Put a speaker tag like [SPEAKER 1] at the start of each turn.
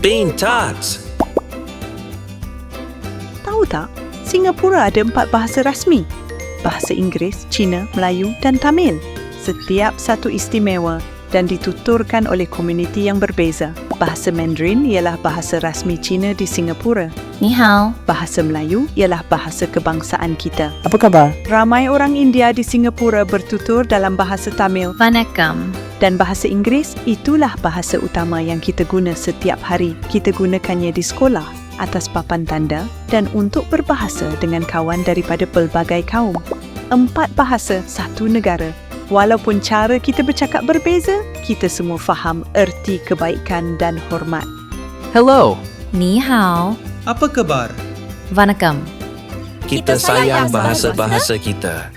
[SPEAKER 1] Pintar.
[SPEAKER 2] Tahu tak, Singapura ada 4 bahasa rasmi. Bahasa Inggeris, Cina, Melayu dan Tamil. Setiap satu istimewa dan dituturkan oleh komuniti yang berbeza. Bahasa Mandarin ialah bahasa rasmi Cina di Singapura.
[SPEAKER 3] 你好
[SPEAKER 2] Bahasa Melayu ialah bahasa kebangsaan kita.
[SPEAKER 4] Apa khabar?
[SPEAKER 2] Ramai orang India di Singapura bertutur dalam bahasa Tamil
[SPEAKER 3] Vanakkam
[SPEAKER 2] dan bahasa Inggeris itulah bahasa utama yang kita guna setiap hari. Kita gunakannya di sekolah, atas papan tanda dan untuk berbahasa dengan kawan daripada pelbagai kaum. 4 bahasa, 1 negara. Walaupun cara kita bercakap berbeza, kita semua faham erti kebaikan dan hormat.
[SPEAKER 5] Hello.
[SPEAKER 3] 你好
[SPEAKER 6] Apa khabar?
[SPEAKER 3] Vanakkam
[SPEAKER 1] Kita sayang bahasa-bahasa kita.